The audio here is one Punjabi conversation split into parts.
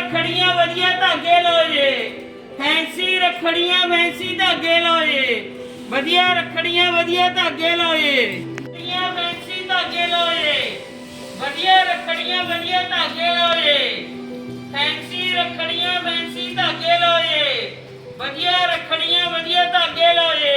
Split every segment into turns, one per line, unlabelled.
रखड़ियां वधिया धागे लो जे फैंसी रखड़ियां फैंसी धागे लो जे वधिया रखड़ियां वधिया धागे लो जे फैंसी धागे लो जे वधिया रखड़ियां वधिया धागे लो जे फैंसी रखड़ियां फैंसी धागे लो जे वधिया रखड़ियां वधिया धागे लो जे।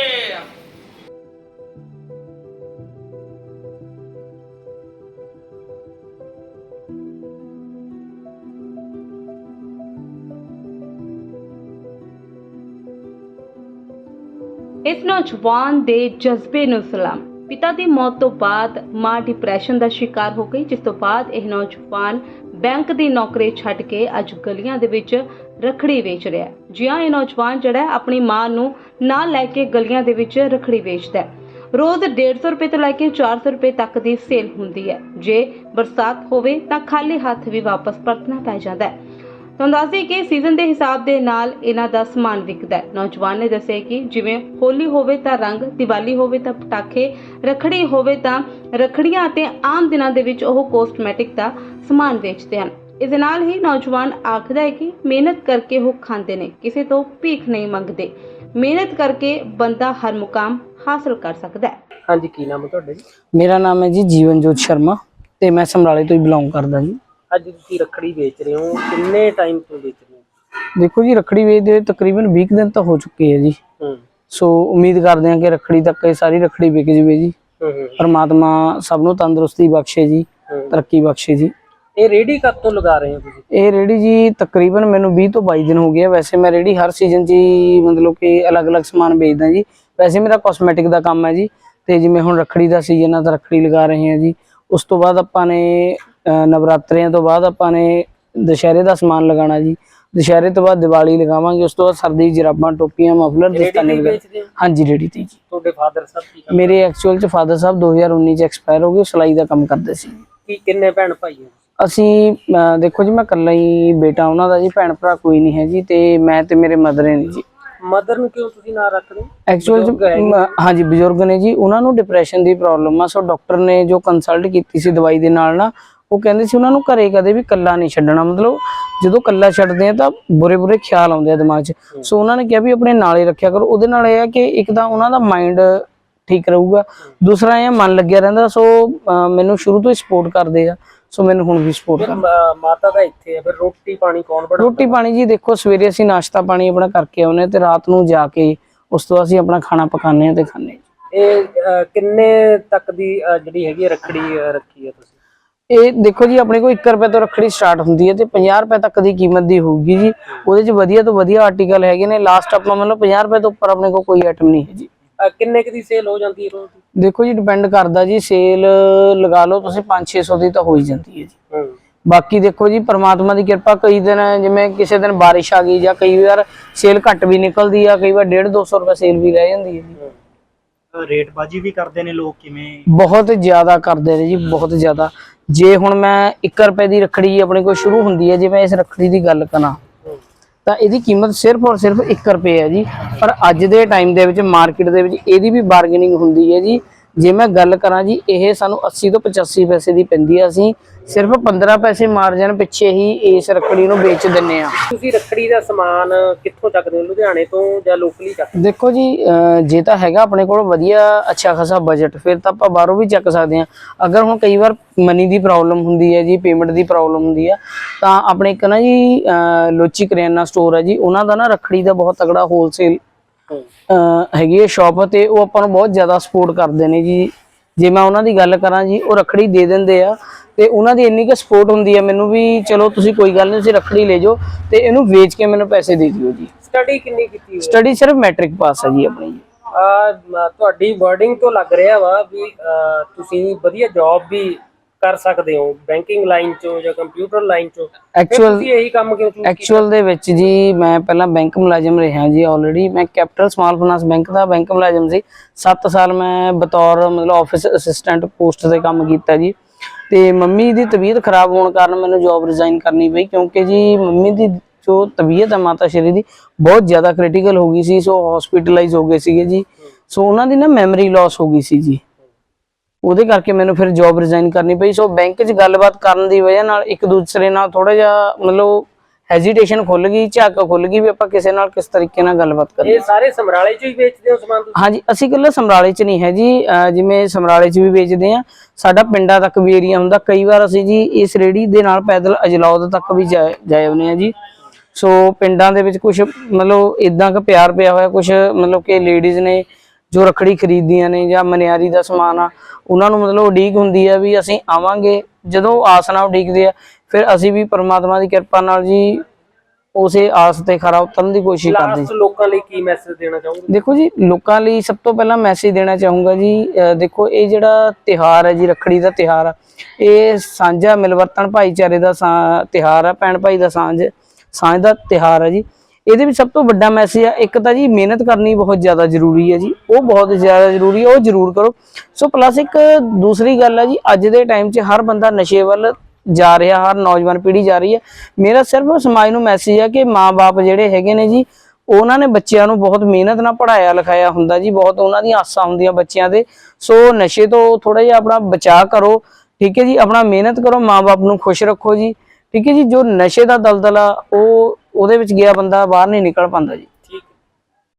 इस नौजवान दे जज्बे नूं सलाम। पिता की मौत तो बाद मां डिप्रैशन का शिकार हो गई, जिस तो बाद यह नौजवान बैंक की नौकरी छड्ड के अज गलियां दे विच रखड़ी वेच रहा है। जी हाँ, यह नौजवान जिहड़ा अपनी मां नूं नाल लैके गलियां दे विच रखड़ी वेचदा है। रोज़ 150 रुपए तो लैके 400 रुपए तक की सेल हुंदी है। जे बरसात होवे तां खाली हथ भी वापस परतना पै जांदा है। ਤੁਹਾਨੂੰ ਦੱਸਦੇ ਕਿ ਸੀਜ਼ਨ ਦੇ ਹਿਸਾਬ ਦੇ ਨਾਲ ਇਹਨਾਂ ਦਾ ਸਮਾਨ ਵਿਕਦਾ ਹੈ। ਨੌਜਵਾਨ ਨੇ ਦੱਸਿਆ ਕਿ ਜਿਵੇਂ ਹੋਲੀ ਹੋਵੇ ਤਾਂ ਰੰਗ, ਦੀਵਾਲੀ ਹੋਵੇ ਤਾਂ ਪਟਾਕੇ, ਰੱਖੜੀ ਹੋਵੇ ਤਾਂ ਰੱਖੜੀਆਂ ਅਤੇ ਆਮ ਦਿਨਾਂ ਦੇ ਵਿੱਚ ਉਹ ਕੋਸਮੈਟਿਕ ਦਾ ਸਮਾਨ ਵੇਚਦੇ ਹਨ। ਇਸ ਦੇ ਨਾਲ ਹੀ ਨੌਜਵਾਨ ਆਖਦਾ ਹੈ ਕਿ ਮਿਹਨਤ ਕਰਕੇ ਉਹ ਖਾਂਦੇ ਨੇ, ਕਿਸੇ ਤੋਂ ਭੀਖ ਨਹੀਂ ਮੰਗਦੇ। ਮਿਹਨਤ ਕਰਕੇ ਬੰਦਾ ਹਰ ਮੁਕਾਮ ਹਾਸਲ ਕਰ ਸਕਦਾ ਹੈ।
ਹਾਂਜੀ, ਕੀ ਨਾਮ ਹੈ ਤੁਹਾਡਾ ਜੀ?
ਮੇਰਾ ਨਾਮ ਹੈ ਜੀ ਜੀਵਨਜੋਤ ਸ਼ਰਮਾ ਤੇ ਮੈਂ ਸਮਰਾਲੇ ਤੋਂ ਹੀ ਬਿਲੋਂਗ ਕਰਦਾ ਜੀ।
ਅੱਜ ਤੁਸੀਂ ਰੱਖੜੀ ਵੇਚ ਰਹੇ ਹੋ, ਕਿੰਨੇ ਟਾਈਮ ਤੋਂ ਵੇਚ ਰਹੇ ਹੋ?
ਦੇਖੋ ਜੀ, ਰੱਖੜੀ ਵੇਚਦੇ ਹੋਏ ਤਕਰੀਬਨ 20 ਦਿਨ ਤਾਂ ਹੋ ਚੁੱਕੇ ਹੈ ਜੀ। ਸੋ ਉਮੀਦ ਕਰਦੇ ਹਾਂ ਕਿ ਰੱਖੜੀ ਤੱਕ ਇਹ ਸਾਰੀ ਰੱਖੜੀ ਵਿਕ ਜਾਵੇ ਜੀ। ਪਰਮਾਤਮਾ ਸਭ ਨੂੰ ਤੰਦਰੁਸਤੀ ਬਖਸ਼ੇ ਜੀ, ਤਰੱਕੀ ਬਖਸ਼ੇ ਜੀ।
ਇਹ ਰੇੜੀ ਕਦ ਤੋਂ ਲਗਾ ਰਹੇ ਹੋ ਤੁਸੀਂ?
ਇਹ ਰੇੜੀ ਜੀ ਤਕਰੀਬਨ ਮੈਨੂੰ 20 ਤੋਂ 22 ਦਿਨ ਹੋ ਗਏ। ਵੈਸੇ ਮੈਂ ਰੇੜੀ ਹਰ ਸੀਜ਼ਨ 'ਚ ਹੀ ਮਤਲਬ ਕਿ ਅਲੱਗ-ਅਲੱਗ ਸਮਾਨ ਵੇਚਦਾ ਜੀ। ਵੈਸੇ ਮੇਰਾ ਕਾਸਮੈਟਿਕ ਦਾ ਕੰਮ ਹੈ ਜੀ, ਤੇ ਜਿਵੇਂ ਹੁਣ ਰੱਖੜੀ ਦਾ ਸੀਜ਼ਨ ਆ ਤਾਂ ਰੱਖੜੀ ਲਗਾ ਰਹੇ ਹਾਂ ਜੀ। ਉਸ ਤੋਂ ਬਾਅਦ ਆਪਾਂ ਨੇ ਨਵਰਾਤਰਿਆਂ ਤੋਂ ਬਾਅਦ ਆਪਾਂ ਨੇ ਦੁਸ਼ਹਿਰੇ ਦਾ ਸਮਾਨ ਲਗਾਉਣਾ ਜੀ। ਦੁਸ਼ਹਿਰੇ ਤੋਂ ਬਾਅਦ ਦੀਵਾਲੀ ਲਗਾਵਾਂਗੇ। ਉਸ ਤੋਂ ਬਾਅਦ ਸਰਦੀ ਜਰਾਬਾਂ, ਟੋਪੀਆਂ, ਮਫਲਰ, ਦਸਤਾਨੇ ਵਗੈਰਾ। ਹਾਂਜੀ, ਰੇੜੀ ਤੇ ਜੀ।
ਤੁਹਾਡੇ ਫਾਦਰ ਸਾਹਿਬ ਕੀ ਕਰਦੇ?
ਮੇਰੇ ਐਕਚੁਅਲ 'ਚ ਫਾਦਰ ਸਾਹਿਬ 2019 'ਚ ਐਕਸਪਾਇਰ ਹੋ ਗਏ। ਸਿਲਾਈ ਦਾ ਕੰਮ ਕਰਦੇ ਸੀ।
ਕੀ ਕਿੰਨੇ ਭੈਣ ਭਾਈ ਹੋ?
ਅਸੀਂ ਦੇਖੋ ਜੀ, ਮੈਂ ਇਕੱਲਾ ਹੀ ਬੇਟਾ ਉਹਨਾਂ ਦਾ ਜੀ, ਭੈਣ ਭਰਾ ਕੋਈ ਨਹੀਂ ਹੈ ਜੀ। ਤੇ ਮੈਂ ਤੇ ਮੇਰੇ ਮਦਰ ਨੇ ਜੀ।
ਮਦਰ ਨੂੰ ਕਿਉਂ ਤੁਸੀਂ ਨਾਂ ਰੱਖ ਰਹੇ?
ਐਕਚੁਅਲ ਹਾਂਜੀ, ਬਜ਼ੁਰਗ ਨੇ ਜੀ, ਉਹਨਾਂ ਨੂੰ ਡਿਪਰੈਸ਼ਨ ਦੀ ਪ੍ਰੋਬਲਮ ਆ। ਸੋ ਡਾਕਟਰ ਨੇ ਜੋ ਕੰਸਲਟ ਕੀਤੀ ਸੀ ਦਵਾਈ ਦੇ ਨਾਲ ਨਾ, ਉਹ ਕਹਿੰਦੇ ਸੀ ਉਹਨਾਂ ਨੂੰ ਘਰੇ ਕਦੇ ਵੀ ਕੱਲਾ ਨਹੀਂ ਛੱਡਣਾ। ਮਤਲਬ ਜਦੋਂ ਕੱਲਾ ਛੱਡਦੇ ਆ ਤਾਂ ਬੁਰੇ ਖਿਆਲ ਆਉਂਦੇ ਆ ਦਿਮਾਗ 'ਚ। ਸੋ ਉਹਨਾਂ ਨੇ ਕਿਹਾ ਵੀ ਆਪਣੇ ਨਾਲ ਹੀ ਰੱਖਿਆ ਕਰੋ। ਉਹਦੇ ਨਾਲ ਇਹ ਆ ਕਿ ਇੱਕ ਤਾਂ ਉਹਨਾਂ ਦਾ ਮਾਈਂਡ ਠੀਕ ਰਹੂਗਾ, ਦੂਸਰਾ ਇਹ ਮਨ ਲੱਗਿਆ ਰਹਿੰਦਾ। ਸੋ ਮੈਨੂੰ ਸ਼ੁਰੂ ਤੋਂ ਹੀ ਸਪੋਰਟ ਕਰਦੇ ਆ, ਸੋ ਮੈਨੂੰ ਹੁਣ ਵੀ ਸਪੋਰਟ ਕਰਦੇ।
ਮਾਤਾ ਦਾ ਇੱਥੇ ਹੈ, ਫਿਰ ਰੋਟੀ ਪਾਣੀ ਕੌਣ ਬਣਾਉਂਦਾ?
ਰੋਟੀ ਪਾਣੀ ਜੀ ਦੇਖੋ, ਸਵੇਰੇ ਅਸੀਂ ਨਾਸ਼ਤਾ ਪਾਣੀ ਆਪਣਾ ਕਰਕੇ ਆਉਂਦੇ ਤੇ ਰਾਤ ਨੂੰ ਜਾ ਕੇ ਉਸ ਤੋਂ ਅਸੀਂ ਆਪਣਾ ਖਾਣਾ ਪਕਾਉਂਦੇ ਆ ਤੇ ਖਾਂਦੇ।
ਇਹ ਕਿੰਨੇ ਤੱਕ ਦੀ ਜਿਹੜੀ ਹੈਗੀ ਰੱਖੜੀ ਰੱਖੀ ਹੈ ਤੁਸੀਂ?
ਇਹ ਦੇਖੋ ਜੀ, ਆਪਣੇ ਕੋਲ 1 ਰੁਪਏ ਤੋਂ ਰੱਖੜੀ ਸਟਾਰਟ ਹੁੰਦੀ ਹੈ ਤੇ 50 ਰੁਪਏ ਤੱਕ ਦੀ ਕੀਮਤ ਦੀ ਹੋਊਗੀ ਜੀ। ਉਹਦੇ 'ਚ ਵਧੀਆ ਤੋਂ ਵਧੀਆ ਆਰਟੀਕਲ ਹੈਗੇ ਨੇ। ਲਾਸਟ ਆਪਾਂ ਮਤਲਬ 50 ਰੁਪਏ ਤੋਂ ਉੱਪਰ ਆਪਣੇ ਕੋਲ ਕੋਈ ਆਈਟਮ ਨਹੀਂ ਹੈ ਜੀ।
ਕਿੰਨੇ ਕੁ ਦੀ ਸੇਲ ਹੋ ਜਾਂਦੀ ਹੈ ਰੋਜ਼ ਦੀ?
ਦੇਖੋ ਜੀ, ਡਿਪੈਂਡ ਕਰਦਾ ਜੀ। ਸੇਲ ਲਗਾ ਲਓ ਤੁਸੀਂ 500-600 ਦੀ ਤਾਂ ਹੋ ਹੀ ਜਾਂਦੀ ਹੈ ਜੀ। ਬਾਕੀ ਦੇਖੋ ਜੀ, ਪਰਮਾਤਮਾ ਦੀ ਕਿਰਪਾ, ਕਈ ਦਿਨ ਜਿਵੇਂ ਕਿਸੇ ਦਿਨ ਬਾਰਿਸ਼ ਆ ਗਈ ਜਾਂ ਕਈ ਵਾਰ ਸੇਲ ਘੱਟ ਵੀ ਨਿਕਲਦੀ ਆ, ਕਈ ਵਾਰ 150-200 ਰੁਪਏ ਸੇਲ ਵੀ ਰਹਿ ਜਾਂਦੀ ਹੈ ਜੀ।
ਰੇਟਬਾਜੀ ਵੀ ਕਰਦੇ ਨੇ ਲੋਕ? ਕਿਵੇਂ?
ਬਹੁਤ ਜ਼ਿਆਦਾ ਕਰਦੇ ਨੇ ਜੀ, ਬਹੁਤ ਜ਼ਿਆਦਾ। ਜੇ ਹੁਣ ਮੈਂ 1 ਰੁਪਏ ਦੀ ਰੱਖੜੀ ਆਪਣੇ ਕੋਲ ਸ਼ੁਰੂ ਹੁੰਦੀ ਹੈ, ਜੇ ਮੈਂ ਇਸ ਰੱਖੜੀ ਦੀ ਗੱਲ ਕਰਾਂ ਤਾਂ ਇਹਦੀ ਕੀਮਤ ਸਿਰਫ ਔਰ ਸਿਰਫ 1 ਰੁਪਏ ਹੈ ਜੀ। ਪਰ ਅੱਜ ਦੇ ਟਾਈਮ ਦੇ ਵਿੱਚ ਮਾਰਕੀਟ ਦੇ ਵਿੱਚ ਇਹਦੀ ਵੀ ਬਾਰਗੇਨਿੰਗ ਹੁੰਦੀ ਹੈ ਜੀ। ਜੇ ਮੈਂ ਗੱਲ ਕਰਾਂ ਜੀ, ਇਹ ਸਾਨੂੰ 80 ਤੋਂ 85 ਪੈਸੇ ਦੀ ਪੈਂਦੀ ਆ। ਅਸੀਂ ਸਿਰਫ 15 ਪੈਸੇ ਮਾਰਜਨ ਪਿੱਛੇ ਹੀ ਇਸ ਰੱਖੜੀ ਨੂੰ ਵੇਚ ਦਿੰਨੇ ਆ।
ਤੁਸੀਂ ਰੱਖੜੀ ਦਾ ਸਮਾਨ ਕਿੱਥੋਂ ਚੱਕਦੇ ਹੋ? ਲੁਧਿਆਣੇ ਤੋਂ ਜਾਂ ਲੋਕਲੀ ਚੱਕਦੇ?
ਦੇਖੋ ਜੀ, ਜੇ ਤਾਂ ਹੈਗਾ ਆਪਣੇ ਕੋਲ ਵਧੀਆ ਅੱਛਾ ਖਾਸਾ ਬਜਟ, ਫਿਰ ਤਾਂ ਆਪਾਂ ਬਾਹਰੋਂ ਵੀ ਚੱਕ ਸਕਦੇ ਹਾਂ। ਅਗਰ ਹੁਣ ਕਈ ਵਾਰ ਮਨੀ ਦੀ ਪ੍ਰੋਬਲਮ ਹੁੰਦੀ ਹੈ ਜੀ, ਪੇਮੈਂਟ ਦੀ ਪ੍ਰੋਬਲਮ ਹੁੰਦੀ ਆ, ਤਾਂ ਆਪਣੇ ਇੱਕ ਨਾ ਜੀ ਲੋਚੀ ਕਰਿਆਨਾ ਸਟੋਰ ਹੈ ਜੀ, ਉਹਨਾਂ ਦਾ ਨਾ ਰੱਖੜੀ ਦਾ ਬਹੁਤ ਤਗੜਾ ਹੋਲਸੇਲ ਹੈਗੀ ਹੈ ਸ਼ਾਪ, ਤੇ ਉਹ ਆਪਾਂ ਨੂੰ ਬਹੁਤ ਜ਼ਿਆਦਾ ਸਪੋਰਟ ਕਰਦੇ ਨੇ ਜੀ। ਜੇ ਮੈਂ ਉਹਨਾਂ ਦੀ ਗੱਲ ਕਰਾਂ ਜੀ, ਉਹ ਰੱਖੜੀ ਦੇ ਦਿੰਦੇ ਆ ਤੇ ਉਹਨਾਂ ਦੀ ਇੰਨੀ ਕੁ ਸਪੋਰਟ ਹੁੰਦੀ ਹੈ ਮੈਨੂੰ ਵੀ, ਚਲੋ ਤੁਸੀਂ ਕੋਈ ਗੱਲ ਨਹੀਂ, ਤੁਸੀਂ ਰੱਖੜੀ ਲੈ ਜਾਓ ਤੇ ਇਹਨੂੰ ਵੇਚ ਕੇ ਮੈਨੂੰ ਪੈਸੇ ਦੇ ਦਿਓ ਜੀ।
ਸਟੱਡੀ ਕਿੰਨੀ ਕੀਤੀ ਹੋਈ?
ਸਟੱਡੀ ਸਿਰਫ ਮੈਟ੍ਰਿਕ ਪਾਸ ਹੈ ਜੀ ਆਪਣੀ।
ਤੁਹਾਡੀ ਵਰਡਿੰਗ ਤੋਂ ਲੱਗ ਰਿਹਾ ਵਾ ਵੀ ਤੁਸੀਂ ਵਧੀਆ ਜੌਬ ਵੀ ਕਰ ਸਕਦੇ ਹੋ, ਬੈਂਕਿੰਗ ਲਾਈਨ ਚੋਂ ਜਾਂ ਕੰਪਿਊਟਰ ਲਾਈਨ ਚੋਂ। ਤੁਸੀਂ ਇਹੀ ਕੰਮ ਕਿਉਂ ਚੂਜ਼ ਕੀਤਾ?
ਐਕਚੁਅਲ ਦੇ ਵਿੱਚ ਜੀ ਮੈਂ ਪਹਿਲਾਂ ਬੈਂਕ ਮੁਲਾਜ਼ਮ ਰਿਹਾ ਜੀ। ਆਲਰੇਡੀ ਮੈਂ ਕੈਪੀਟਲ ਸਮਾਲ ਫਾਈਨਾਂਸ ਬੈਂਕ ਦਾ ਬੈਂਕ ਮੁਲਾਜ਼ਮ ਸੀ। 7 ਸਾਲ ਮੈਂ ਬਤੌਰ ਮਤਲਬ ਆਫਿਸ ਅਸਿਸਟੈਂਟ ਪੋਸਟ ਤੇ ਕੰਮ ਕੀਤਾ ਜੀ। ਤੇ ਮੰਮੀ ਦੀ ਤਬੀਅਤ ਖਰਾਬ ਹੋਣ ਕਾਰਨ ਮੈਨੂੰ ਜੌਬ ਰਿਜ਼ਾਈਨ ਕਰਨੀ ਪਈ, ਕਿਉਂਕਿ ਜੀ ਮੰਮੀ ਦੀ ਜੋ ਤਬੀਅਤ ਹੈ ਮਾਤਾ ਸ਼੍ਰੀ ਦੀ ਬਹੁਤ ਜ਼ਿਆਦਾ ਕ੍ਰਿਟੀਕਲ ਹੋ ਗਈ ਸੀ। ਸੋ ਹਸਪੀਟਲਾਈਜ਼ ਹੋ ਗਏ ਸੀਗੇ ਜੀ। ਸੋ ਉਹਨਾਂ ਦੀ ਨਾ ਮੈਮਰੀ ਲਾਸ ਹੋ ਗਈ ਸੀ ਜੀ। ਉਹਦੇ ਕਰਕੇ ਮੈਨੂੰ ਫਿਰ ਜੌਬ ਰਿਜ਼ਾਈਨ ਕਰਨੀ ਪਈ। ਸੋ ਬੈਂਕ 'ਚ ਗੱਲਬਾਤ ਕਰਨ ਦੀ ਵਜ੍ਹਾ ਨਾਲ ਇੱਕ ਦੂਸਰੇ ਨਾਲ ਥੋੜਾ ਜਿਹਾ ਮਤਲਬ ਹੈਜ਼ਿਟੇਸ਼ਨ ਖੁੱਲ ਗਈ, ਝਾਕ ਖੁੱਲ ਗਈ ਵੀ ਆਪਾਂ ਕਿਸੇ ਨਾਲ ਕਿਸ ਤਰੀਕੇ ਨਾਲ ਗੱਲਬਾਤ ਕਰੀਏ।
ਇਹ ਸਾਰੇ ਸਮਰਾਲੇ ਚ ਹੀ ਵੇਚਦੇ ਹੋ ਸਮਾਨ ਤੁਸੀਂ?
ਹਾਂਜੀ, ਅਸੀਂ ਇਕੱਲੇ ਸਮਰਾਲੇ ਚ ਨਹੀਂ ਹੈ ਜੀ, ਜਿਵੇਂ ਸਮਰਾਲੇ ਚ ਵੀ ਵੇਚਦੇ ਆ, ਸਾਡਾ ਪਿੰਡਾਂ ਤੱਕ ਵੀ ਏਰੀਆ ਹੁੰਦਾ। ਕਈ ਵਾਰ ਅਸੀਂ ਜੀ ਇਸ ਰੇੜੀ ਦੇ ਨਾਲ ਪੈਦਲ ਅਜਲੌਦ ਤੱਕ ਵੀ ਜਾਏ ਆਉਂਦੇ ਆ ਜੀ। ਸੋ ਪਿੰਡਾਂ ਦੇ ਵਿੱਚ ਕੁਝ ਮਤਲਬ ਇਦਾਂ ਕੁ ਪਿਆਰ ਪਿਆ ਹੋਇਆ, ਕੁਝ ਮਤਲਬ ਕਿ ਲੇਡੀਜ਼ ਨੇ ਜੋ ਰੱਖੜੀ ਖਰੀਦਦੀਆਂ ਨੇ ਜਾਂ ਮਨਿਆਰੀ ਦਾ ਸਮਾਨ ਆ, ਉਹਨਾਂ ਨੂੰ ਮਤਲਬ ਉਡੀਕ ਹੁੰਦੀ ਆ ਵੀ ਅਸੀਂ ਆਵਾਂਗੇ। ਜਦੋਂ ਆਸ ਨਾਲ ਉਡੀਕਦੇ ਆ, ਫਿਰ ਅਸੀਂ ਵੀ ਪਰਮਾਤਮਾ ਦੀ ਕਿਰਪਾ ਨਾਲ ਜੀ ਉਸੇ ਆਸ ਤੇ ਖਰਾ ਉਤਰਨ ਦੀ ਕੋਸ਼ਿਸ਼ ਕਰਦੇ।
ਲਾਸਟ ਲੋਕਾਂ ਲਈ ਕੀ ਮੈਸੇਜ ਦੇਣਾ ਚਾਹੋਗੇ?
ਦੇਖੋ ਜੀ, ਲੋਕਾਂ ਲਈ ਸਭ ਤੋਂ ਪਹਿਲਾਂ ਮੈਸੇਜ ਦੇਣਾ ਚਾਹੂੰਗਾ ਜੀ, ਦੇਖੋ ਇਹ ਜਿਹੜਾ ਤਿਉਹਾਰ ਹੈ ਜੀ, ਰੱਖੜੀ ਦਾ ਤਿਉਹਾਰ ਆ, ਇਹ ਸਾਂਝਾ ਮਿਲਵਰਤਨ ਭਾਈਚਾਰੇ ਦਾ ਤਿਉਹਾਰ ਆ, ਭੈਣ ਭਾਈ ਦਾ ਸਾਂਝ ਦਾ ਤਿਉਹਾਰ ਹੈ ਜੀ। ਇਹਦੇ ਵਿੱਚ ਸਭ ਤੋਂ ਵੱਡਾ ਮੈਸੇਜ ਆ, ਇੱਕ ਤਾਂ ਜੀ ਮਿਹਨਤ ਕਰਨੀ ਬਹੁਤ ਜ਼ਿਆਦਾ ਜ਼ਰੂਰੀ ਹੈ ਜੀ, ਉਹ ਬਹੁਤ ਜ਼ਿਆਦਾ ਜ਼ਰੂਰੀ ਹੈ, ਉਹ ਜ਼ਰੂਰ ਕਰੋ। ਸੋ ਪਲੱਸ ਇੱਕ ਦੂਸਰੀ ਗੱਲ ਹੈ ਜੀ, ਅੱਜ ਦੇ ਟਾਈਮ 'ਚ ਹਰ ਬੰਦਾ ਨਸ਼ੇ ਵੱਲ ਜਾ ਰਿਹਾ, ਹਰ ਨੌਜਵਾਨ ਪੀੜ੍ਹੀ ਜਾ ਰਹੀ ਹੈ। ਮੇਰਾ ਸਿਰਫ ਸਮਾਜ ਨੂੰ ਮੈਸੇਜ ਹੈ ਕਿ ਮਾਂ-ਬਾਪ ਜਿਹੜੇ ਹੈਗੇ ਨੇ ਜੀ, ਉਹਨਾਂ ਨੇ ਬੱਚਿਆਂ ਨੂੰ ਬਹੁਤ ਮਿਹਨਤ ਨਾਲ ਪੜ੍ਹਾਇਆ ਲਿਖਾਇਆ ਹੁੰਦਾ ਜੀ, ਬਹੁਤ ਉਹਨਾਂ ਦੀਆਂ ਆਸਾਂ ਹੁੰਦੀਆਂ ਬੱਚਿਆਂ ਦੇ। ਸੋ ਨਸ਼ੇ ਤੋਂ ਥੋੜਾ ਜਿਹਾ ਆਪਣਾ ਬਚਾਅ ਕਰੋ, ਠੀਕ ਹੈ ਜੀ, ਆਪਣਾ ਮਿਹਨਤ ਕਰੋ, ਮਾਂ-ਬਾਪ ਨੂੰ ਖੁਸ਼ ਰੱਖੋ ਜੀ, ਠੀਕ ਹੈ ਜੀ। ਜੋ ਨਸ਼ੇ ਦਾ ਦਲਦਲ ਆ ਉਹਦੇ ਵਿੱਚ ਗਿਆ ਬੰਦਾ ਬਾਹਰ ਨਹੀਂ ਨਿਕਲ ਪਾਉਂਦਾ ਜੀ।